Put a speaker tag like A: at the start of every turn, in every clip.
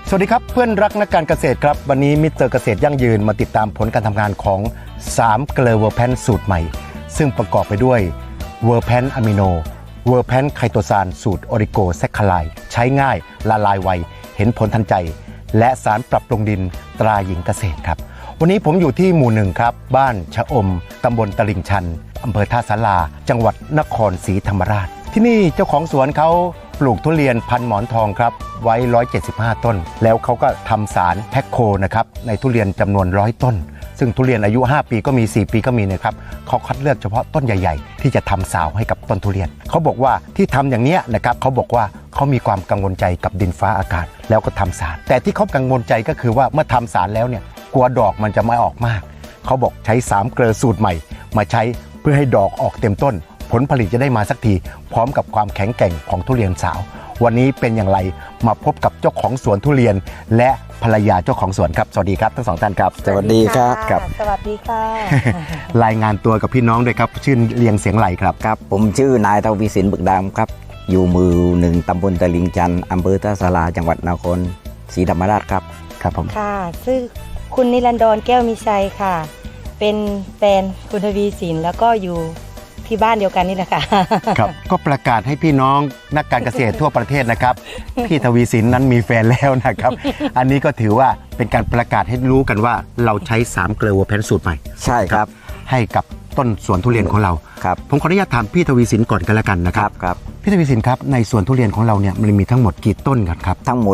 A: สวัสดีครับเพื่อนรักนักการเกษตรครับวันนี้มิสเตอร์เกษตรยั่งยืนมาติดตามผลการทำงานของ3เกลือเวอร์แพนสูตรใหม่ซึ่งประกอบไปด้วยเวอร์แพนอะมิโนเวอร์แพนไคโตซานสูตรออริโกแซคคาไลใช้ง่ายละลายไวเห็นผลทันใจและสารปรับปรุงดินตราหญิงเกษตรครับวันนี้ผมอยู่ที่หมู่1ครับบ้านชะอมตำบลตลิ่งชันอำเภอท่าสาราจังหวัดนครศรีธรรมราชที่นี่เจ้าของสวนเขาปลูกทุเรียนพันหมอนทองครับไว้175ต้นแล้วเขาก็ทำสารแพ็คโคนะครับในทุเรียนจำนวน100ต้นซึ่งทุเรียนอายุ5ปีก็มี4ปีก็มีนะครับเขาคัดเลือกเฉพาะต้นใหญ่ๆที่จะทำสาวให้กับต้นทุเรียนเขาบอกว่าที่ทำอย่างนี้นะครับเขาบอกว่าเขามีความกังวลใจกับดินฟ้าอากาศแล้วก็ทำสารแต่ที่เขากังวลใจก็คือว่าเมื่อทำสารแล้วเนี่ยกลัวดอกมันจะไม่ออกมากเขาบอกใช้3เกลือสูตรใหม่มาใช้เพื่อให้ดอกออกเต็มต้นผลผลิตจะได้มาสักทีพร้อมกับความแข็งแกร่งของทุเรียนสาววันนี้เป็นอย่างไรมาพบกับเจ้าของสวนทุเรียนและภรรยาเจ้าของสวนครับสวัสดีครับทั้งสองท่านครับ
B: สวัสดีครับ
C: สวัสดีค่ะ
A: รายงานตัวกับพี่น้องด้วยครับชื่อเรียงเสียงไหลครับ
B: ครับผมชื่อนายทวีสินบึกดำครับอยู่หมู่1ตำบลตลิ่งชันอำเภอท่าสาราจังหวัดนครศรีธรรมราชครับ
A: ครับผม
C: ค่ะชื่อคุณนิรันดรแก้วมีชัยค่ะเป็นแฟนคุณทวีสินแล้วก็อยู่ที่บ้านเดียวกันนี่แหละค่ะ
A: ครับก็ประกาศให้พี่น้องนักการเกษตรทั่วประเทศนะครับพี่ทวีสินนั้นมีแฟนแล้วนะครับอันนี้ก็ถือว่าเป็นการประกาศให้รู้กันว่าเราใช้3เกลือเวอร์แพนสูตรใหม่
B: ใช่ครับ
A: ให้กับต้นสวนทุเรียนของเรา
B: ครับ
A: ผมขออนุญาตถามพี่ทวีสินก่อนกันแล้วกันนะครับ
B: ครับ
A: พี่ทวีสินครับในสวนทุเรียนของเราเนี่ยมันมีทั้งหมดกี่ต้นครับ
B: ทั้งหมด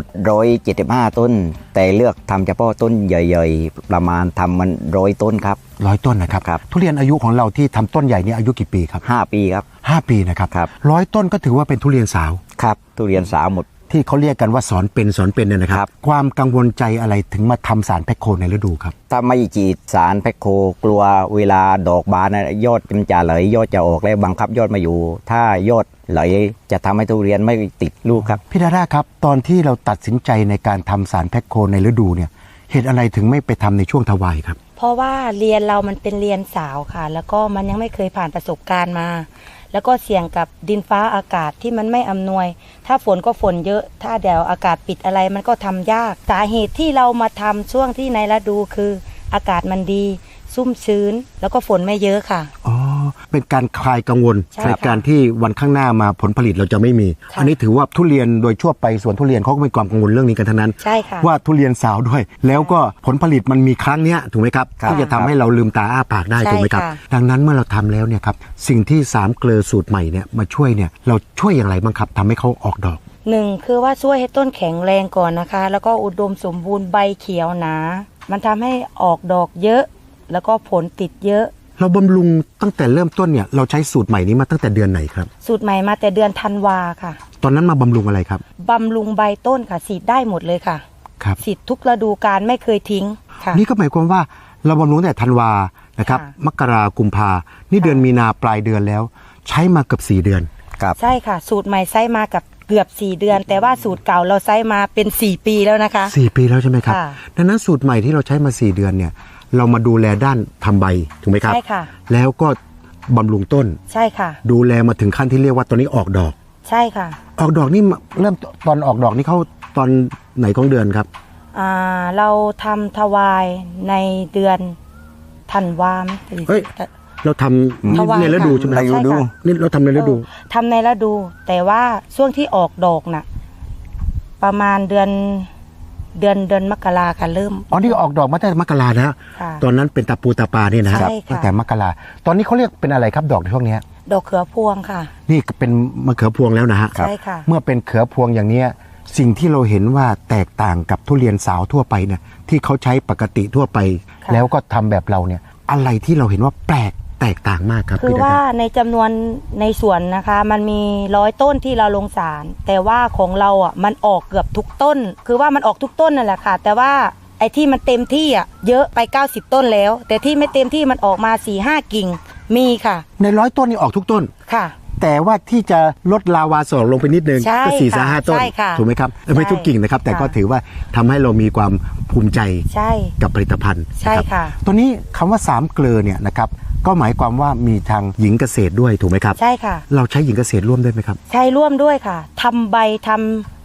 B: 175ต้นแต่เลือกทำเฉพาะต้นใหญ่ๆประมาณทำมัน100ต้นครับ
A: 100ต้นนะครับทุเรียนอายุของเราที่ทำต้นใหญ่นี่อายุกี่ปีครับ
B: 5ปีครับ
A: 5ปีนะครับ100ต้นก็ถือว่าเป็นทุเรียนสาว
B: ครับทุเรียนสาวหมด
A: ที่เขาเรียกกันว่าสอนเป็นเนี่ยนะครับความกังวลใจอะไรถึงมาทำสารแพ็คโคในฤดูครับ
B: ถ้าไม่ฉีดสารแพ็คโคกลัวเวลาดอกบานยอดมันจะไหลยอดจะออกแล้วบังคับยอดมาอยู่ถ้ายอดไหลจะทำให้ทุเรียนไม่ติดลูกครับ
A: พี่ดาด้าครับตอนที่เราตัดสินใจในการทำสารแพ็คโคในฤดูเนี่ยเหตุอะไรถึงไม่ไปทำในช่วงทวายครับ
C: เพราะว่าเรียนเรามันเป็นเรียนสาวค่ะแล้วก็มันยังไม่เคยผ่านประสบการณ์มาแล้วก็เสี่ยงกับดินฟ้าอากาศที่มันไม่อำนวยถ้าฝนก็ฝนเยอะถ้าเดี๋ยวอากาศปิดอะไรมันก็ทำยากสาเหตุที่เรามาทำช่วงที่ในฤดูคืออากาศมันดีซุ่มชื้นแล้วก็ฝนไม่เยอะค่ะ
A: อ๋อเป็นการคลายกังวลในการที่วันข้างหน้ามาผลผลิตเราจะไม่มีอันนี้ถือว่าทุเรียนโดยทั่วไปสวนทุเรียนเขาก็มีความกังวลเรื่องนี้กันทั้งนั้น
C: ใช่ค่ะ
A: ว่าทุเรียนสาวด้วยแล้วก็ผลผลิตมันมีครั้งนี้ถูกไหมครับที่จะทำให้เราลืมตาอ้าปากได้ถูกไหมครับดังนั้นเมื่อเราทำแล้วเนี่ยครับสิ่งที่3เกลือสูตรใหม่เนี่ยมาช่วยเนี่ยเราช่วยอย่างไรบ้างครับทำให้เขาออกดอก
C: 1คือว่าช่วยให้ต้นแข็งแรงก่อนนะคะแล้วก็อุดมสมบูรณ์ใบเขียวหนามันทำให้ออกดอกเยอะแล้วก็ผลติดเยอะ
A: เราบำรุงตั้งแต่เริ่มต้นเนี่ยเราใช้สูตรใหม่นี้มาตั้งแต่เดือนไหนครับ
C: สูตรใหม่มาแต่เดือนธันวาค่ะ
A: ตอนนั้นมาบำรุงอะไรครับ
C: บำรุงใบต้นค่ะฉีดได้หมดเลยค่ะ
A: ครับ
C: ฉีดทุกฤดูกาลไม่เคยทิ้งค่ะ
A: นี่ก็หมายความว่าเราบำรุงแต่ธันวานะครับมกรากุมภานี่เดือนมีนาปลายเดือนแล้วใช้มาเกือบ4เดือน
C: ครับใช่ค่ะสูตรใหม่ใช้มากับเกือบ4เดือนแต่ว่าสูตรเก่าเราใช้มาเป็น4ปีแล้วนะคะ
A: 4ปีแล้วใช่ไหมครับดังนั้นสูตรใหม่ที่เราใช้มา4เดือนเนี่ยเรามาดูแลด้านทำใบถูกไหมครับ
C: ใช่ค่ะ
A: แล้วก็บำรุงต้น
C: ใช่ค่ะ
A: ดูแลมาถึงขั้นที่เรียกว่าตอนนี้ออกดอก
C: ใช่ค่ะ
A: ออกดอกนี่เริ่มตอนออกดอกนี่เข้าตอนไหนของเดือนครับ
C: เราทำทวายในเดือนธันวา
A: เฮ้ยเราทำในฤดูใช่ไหม
B: ฤดู
A: นี่เราทำในฤดู
C: ทำในฤดูแต่ว่าช่วงที่ออกดอกน่ะประมาณเดือนมกราค่ะเริ่ม
A: อ๋อนี่ออกดอกมาตั้งแต่มกรานะตอนนั้นเป็นตาปูตาปาเนี่ยนะครับตั้งแต่มกราตอนนี้เขาเรียกเป็นอะไรครับดอกในช่วงนี้
C: ดอกเขือพวงค่ะ
A: นี่เป็นมะเขือพวงแล้วนะฮะ
C: ใช่ค่ะ
A: เมื่อเป็นเขือพวงอย่างนี้สิ่งที่เราเห็นว่าแตกต่างกับทุเรียนสาวทั่วไปเนี่ยที่เขาใช้ปกติทั่วไปแล้วก็ทำแบบเราเนี่ยอะไรที่เราเห็นว่าแปลกแตกต่างมากครับ
C: คือว่าในจำนวนในสวนนะคะมันมี100ต้นที่เราลงสารแต่ว่าของเราอ่ะมันออกเกือบทุกต้นคือว่ามันออกทุกต้นนั่นแหละค่ะแต่ว่าไอ้ที่มันเต็มที่อ่ะเยอะไป90ต้นแล้วแต่ที่ไม่เต็มที่มันออกมา 4-5 กิ่งมีค่ะ
A: ใน100ต้นนี่ออกทุกต้น
C: ค่ะ
A: แต่ว่าที่จะลดลาวาสอกลงไปนิดนึงก็4-5 ต้นถูกไหมครับไม่ทุกกิ่งนะครับแต่ก็ถือว่าทำให้เรามีความภูมิใจกับผลิตภัณฑ์
C: ใช่ค่ะ
A: ตัวนี้คำว่า3เกลือเนี่ยนะครับก็หมายความว่ามีทางหญิงเกษตรด้วยถูกไหมครับ
C: ใช่ค่ะ
A: เราใช้หญิงเกษตรร่วมด้วยไหมครับ
C: ใช้ร่วมด้วยค่ะทำใบทำ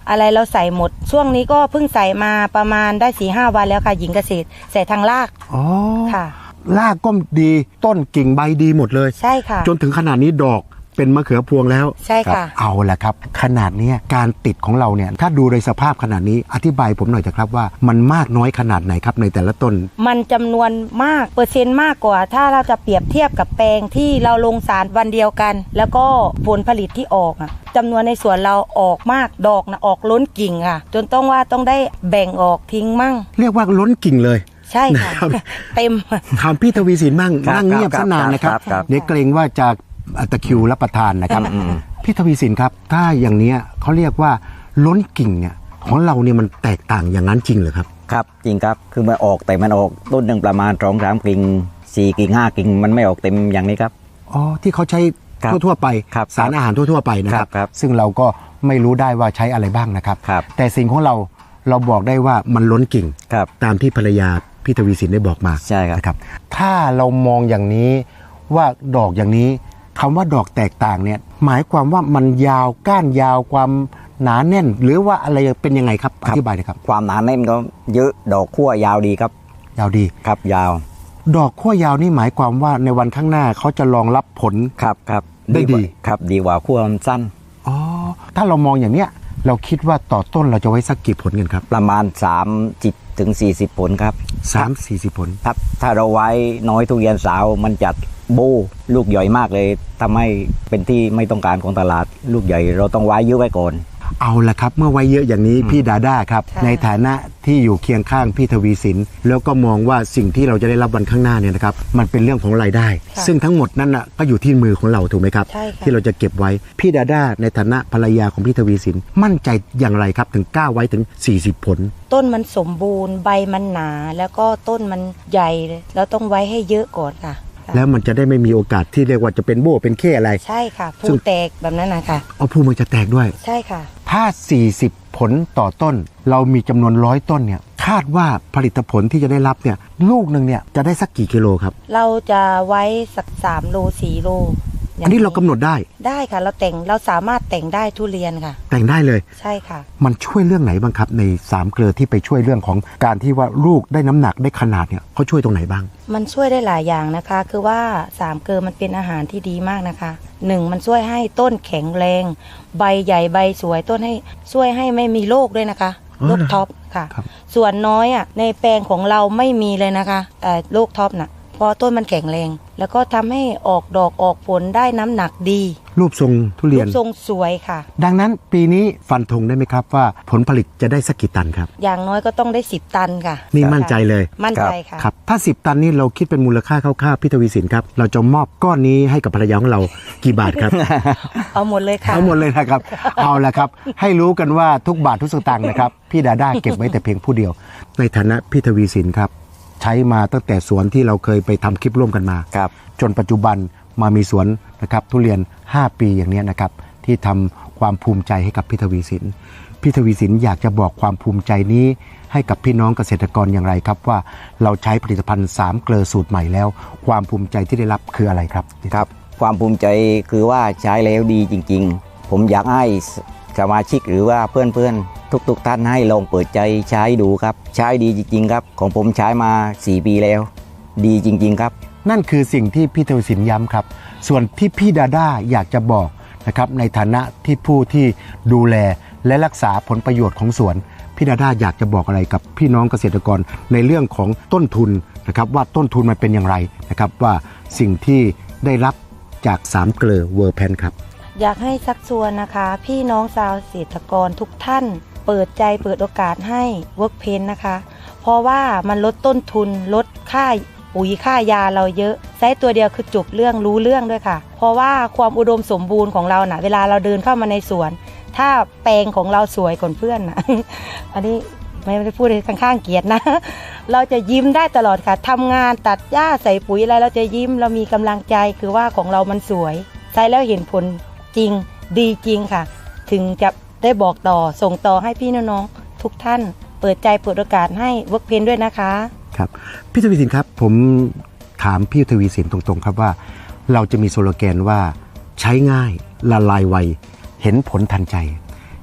C: อะไรเราใส่หมดช่วงนี้ก็เพิ่งใส่มาประมาณได้ 4-5 วันแล้วค่ะหญิงเกษตรใส่ทางราก
A: อ๋อ
C: ค่ะ
A: รากก็ดีต้นกิ่งใบดีหมดเลย
C: ใช่ค่ะ
A: จนถึงขนาดนี้ดอกเป็นมะเขือพวงแล้ว
C: ใช่ค่ะ
A: เอาละครับขนาดเนี้ยการติดของเราเนี่ยถ้าดูในสภาพขนาดนี้อธิบายผมหน่อยเถอะครับว่ามันมากน้อยขนาดไหนครับในแต่ละต้น
C: มันจำนวนมากเปอร์เซ็นต์มากกว่า ถ้าเราจะเปรียบเทียบกับแปลงที่เราลงสารวันเดียวกัน แล้วก็ผลผลิตที่ออกอะจำนวนในสวนเราออกมากดอกนะออกล้นกิ่งค่ะ จนต้องได้แบ่งออกทิ้งมั่ง
A: เรียกว่าล้นกิ่งเลย
C: ใช่ค่ะ
A: นะครับ
C: เต็ม
A: ถามพี่ทวีสินบ้าง
B: ครับ
A: นั่งเงียบ
B: ครับ
A: ซะนานนะครับ
B: ครับ
A: เดี๋ยวเกรงว่าจะตะคริวรับประทานนะครับพี่ทวีสินครับถ้าอย่างเนี้ยเขาเรียกว่าล้นกิ่งเนี่ยของเราเนี่ยมันแตกต่างอย่างนั้นจริงเหรอครับ
B: ครับจริงครับคือมันออกแต่มันออกต้นหนึ่งประมาณ2-3 กิ่ง4 กิ่ง 5 กิ่งมันไม่ออกเต็มอย่างนี้ครับ
A: อ๋อที่เขาใช้
B: ครับ
A: ทั่วๆไป
B: ครับ
A: สารอาหารทั่วๆไปนะครับ
B: ครับ
A: ซึ่งเราก็ไม่รู้ได้ว่าใช้อะไรบ้างนะครับ
B: ครับ
A: แต่สิ่งของเราบอกได้ว่ามันล้นกิ่ง
B: ครับ
A: ตามที่ภรรยาพี่ทวีสินได้บอกมา
B: ใช่ครับ
A: นะครับ ถ้าเรามองอย่างนี้ว่าดอกอย่างนี้คำว่าดอกแตกต่างเนี่ยหมายความว่ามันยาวก้านยาวความหนาแน่น หรือว่าอะไรเป็นยังไงครับอธิบายหน่อยครับ
B: ความหนาแน่นก็เยอะดอกขั้วยาวดีครับ
A: ยาวดี
B: ครับยาว
A: ดอกขั้วยาวนี่หมายความว่าในวันข้างหน้าเขาจะรองรับผล
B: ครับครับ
A: ได้ดี
B: ครับดีกว่าขั้วมันสั้น
A: อ๋อถ้าเรามองอย่างเนี้ยเราคิดว่าต่อต้นเราจะไว้สักกี่ผลกันครับ
B: ประมาณ30 ถึง 40 ผลครับ
A: 3-40 ผล
B: ครับถ้าเราไว้น้อยทุเรียนสาวมันจะโบลูกใหญ่มากเลยทำให้เป็นที่ไม่ต้องการของตลาดลูกใหญ่เราต้องไว้เยอะไว้ก่อน
A: เอาละครับเมื่อไว้เยอะอย่างนี้พี่ดาด้าครับ
C: ค่ะ
A: ในฐานะที่อยู่เคียงข้างพี่ทวีสินแล้วก็มองว่าสิ่งที่เราจะได้รับวันข้างหน้าเนี่ยนะครับมันเป็นเรื่องของรายได้
C: ค่ะ
A: ซึ่งทั้งหมดนั้นน่ะก็อยู่ที่มือของเราถูกไหมครับ
C: ใช่ค่ะ
A: ที่เราจะเก็บไว้พี่ดาด้าในฐานะภรรยาของพี่ทวีสินมั่นใจอย่างไรครับถึงกล้าไว้ถึง40 ผล
C: ต้นมันสมบูรณ์ใบมันหนา แล้วก็ต้นมันใหญ่เลยเราต้องไว้ให้เยอะก่อนค่ะ
A: แล้วมันจะได้ไม่มีโอกาสที่เรียกว่าจะเป็นโบ้เป็นเข้อะไร
C: ใช่ค่ะ
A: ซึ่
C: ผู้
A: ง
C: แตกแบบนั้นนะคะ
A: เอาภูมันจะแตกด้วย
C: ใช่ค่ะ
A: ถ้า 40 ผลต่อต้น เรามีจำนวน100 ต้นเนี่ยคาดว่าผลิตผลที่จะได้รับเนี่ยลูกหนึ่งเนี่ยจะได้สักกี่กิโลครับ
C: เราจะไว้สัก3 โล 4 โลย่ง
A: อันนี้เรากำหนดได้
C: ได้ค่ะ เราสามารถแต่งได้ทุเรียนค่ะ
A: แต่งได้เลย
C: ใช่ค่ะ
A: มันช่วยเรื่องไหนบ้างครับใน3 เกลือที่ไปช่วยเรื่องของการที่ว่าลูกได้น้ำหนักได้ขนาดเนี่ยเขาช่วยตรงไหนบ้าง
C: มันช่วยได้หลายอย่างนะคะ คือว่า3 เกลือมันเป็นอาหารที่ดีมากนะคะ 1 มันช่วยให้ต้นแข็งแรง ใบใหญ่ใบสวยต้นให้ช่วยให้ไม่มีโรคด้วยนะคะ
A: อ๋อ
C: โรคท็อปค่ะ
A: ครับ
C: ส่วนน้อยอ่ะในแปลงของเราไม่มีเลยนะคะโรคท็อปน่ะเพราะต้นมันแข็งแรง แล้วก็ทำให้ออกดอกออกผลได้น้ำหนักดี
A: รูปทรงทุเรี
C: รู
A: ยน
C: ปทรงสวยค่ะ
A: ดังนั้นปีนี้ฟันธงได้ไหมครับว่าผลผลิตจะได้สักกี่ตันครับ
C: อย่างน้อยก็ต้องได้10 ตันค่ะ
A: นี่มั่นใจเลย
C: มั่นใจค่ะ
A: ครับถ้า 10 ตันนี่เราคิดเป็นมูลค่าคร่าวๆพี่ทวีสินครับเราจะมอบก้อนนี้ให้กับภรรยาของเรากี่บาทครับ
C: เอาหมดเลยค่ะ
A: เอาหมดเลยนะครับ เอาละครับ ให้รู้กันว่าทุกบาททุกสตางค์นะครับ พี่ดาด้าเก็บไว้แต่เพียงผู้เดียว ในฐานะพี่ทวีสินครับ ใช้มาตั้งแต่สวนที่เราเคยไปทำคลิปร่วมกันมา
B: ครับ
A: จนปัจจุบันมามีสวนนะครับทุเรียน 5 ปีอย่างนี้นะครับ ที่ทำความภูมิใจให้กับพี่ทวีสิน พี่ทวีสินอยากจะบอกความภูมิใจนี้ให้กับพี่น้องเกษตรกรอย่างไรครับว่าเราใช้ผลิตภัณฑ์3 เกลือสูตรใหม่แล้ว ความภูมิใจที่ได้รับคืออะไรครับ
B: ครับความภูมิใจคือว่าใช้แล้วดีจริงๆ ผมอยากให้สมาชิกหรือว่าเพื่อนๆทุกท่านให้ลองเปิดใจใช้ดูครับใช้ดีจริงๆครับของผมใช้มา4 ปีแล้ว ดีจริงๆครับ
A: นั่นคือสิ่งที่พี่ทวีสินย้ำครับ ส่วนที่พี่ดาด้าอยากจะบอกนะครับในฐานะที่ผู้ที่ดูแลและรักษาผลประโยชน์ของสวน พี่ดาด้าอยากจะบอกอะไรกับพี่น้องเกษตรกรในเรื่องของต้นทุนนะครับว่าต้นทุนมันเป็นอย่างไรนะครับว่าสิ่งที่ได้รับจาก3 เกลือเวอร์แพนครับ
C: อยากให้ชักชวนนะคะ พี่น้องชาวเกษตรกรทุกท่าน เปิดใจเปิดโอกาสให้เวิร์กเพนนะคะ เพราะว่ามันลดต้นทุนลดค่าปุ๋ยค่ายาเราเยอะใช้ตัวเดียวคือจบเรื่องรู้เรื่องด้วยค่ะ เพราะว่าความอุดมสมบูรณ์ของเราเวลาเราเดินเข้ามาในสวน ถ้าแปลงของเราสวยกว่าเพื่อนนะ อันนี้ไม่ได้พูดข้างๆเกียรตินะ เราจะยิ้มได้ตลอดค่ะทำงานตัดหญ้าใส่ปุ๋ยอะไรเราจะยิ้มเรามีกำลังใจคือว่าของเรามันสวยใช้แล้วเห็นผลจริงดีจริงค่ะ ถึงจะได้บอกต่อส่งต่อให้พี่น้องๆทุกท่าน เปิดใจเปิดโอกาสให้เวิร์กเพนด้วยนะคะ
A: ครับพี่ทวีสินครับผมถามพี่ทวีสินตรงๆครับว่าเราจะมีสโลแกนว่าใช้ง่ายละลายไวเห็นผลทันใจ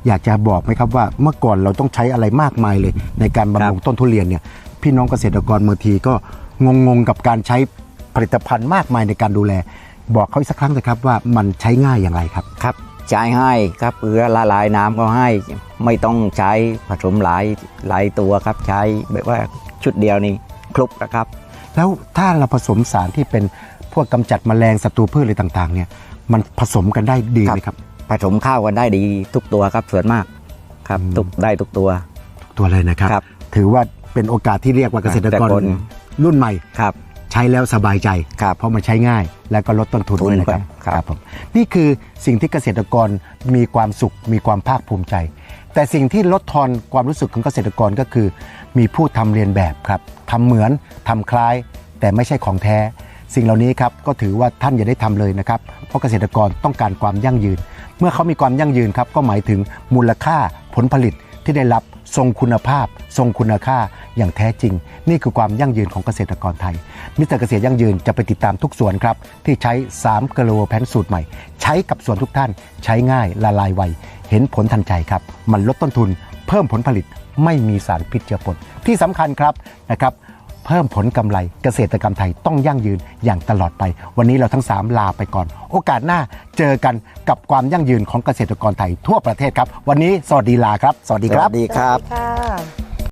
A: อยากจะบอกไหมครับว่าเมื่อก่อนเราต้องใช้อะไรมากมายเลย ในการบำรุงต้นทุเรียนเนี่ยพี่น้องเกษตรกรบางทีก็งงกับการใช้ผลิตภัณฑ์มากมายในการดูแล บอกเขาอีกสักครั้งนะครับว่ามันใช้ง่ายอย่างไรครับ
B: ครับใช้ให้ครับเพื่อละลายน้ำก็ให้ไม่ต้องใช้ผสมหลายตัวครับใช้แบบว่าชุดเดียวนี้ครบนะครับ
A: แล้วถ้าเราผสมสารที่เป็นพวกกำจัดแมลงศัตรูพืชอะไรต่างๆเนี่ยมันผสมกันได้ดีไหมครับ
B: ผสมข้าวกันได้ดีทุกตัวครับส่วนมากครับได้ทุกตัว
A: ตัวเลยนะครับ
B: ครับ
A: ถือว่าเป็นโอกาสที่เรียกว่าเกษตรกร
B: แต่คน
A: รุ่นใหม่
B: ครับ
A: ใช้แล้วสบายใจ
B: ครับ
A: เพราะมันใช้ง่ายและก็ลดต้นทุนด้วยนะครับ
B: ครับ
A: ผมนี่คือสิ่งที่เกษตรกรมีความสุขมีความภาคภูมิใจ แต่สิ่งที่ลดทอนความรู้สึกของเกษตรกรก็คือ มีผู้ทำเรียนแบบครับทำเหมือนทำคล้าย แต่ไม่ใช่ของแท้ สิ่งเหล่านี้ครับก็ถือว่าท่านอย่าได้ทำเลยนะครับเพราะเกษตรกรต้องการความยั่งยืน เมื่อเขามีความยั่งยืนครับก็หมายถึงมูลค่าผลผลิตที่ได้รับทรงคุณภาพ ทรงคุณค่าอย่างแท้จริง นี่คือความยั่งยืนของเกษตรกรไทยมิสเตอร์เกษตรยั่งยืนจะไปติดตามทุกสวนครับที่ใช้3เกลโวแพนสูตรใหม่ใช้กับสวนทุกท่านใช้ง่ายละลายไวเห็นผลทันใจครับมันลดต้นทุนเพิ่มผลผลิตไม่มีสารพิษเจือปนที่สำคัญครับนะครับเพิ่มผลกำไรเกษตรกรรมไทยต้องยั่งยืนอย่างตลอดไปวันนี้เราทั้ง3ลาไปก่อนโอกาสหน้าเจอกันกับความยั่งยืนของเกษตรกรไทยทั่วประเทศครับวันนี้สวัสดีลาครับสวัสดีครับ
B: สวัสดีครับ
C: ค่ะ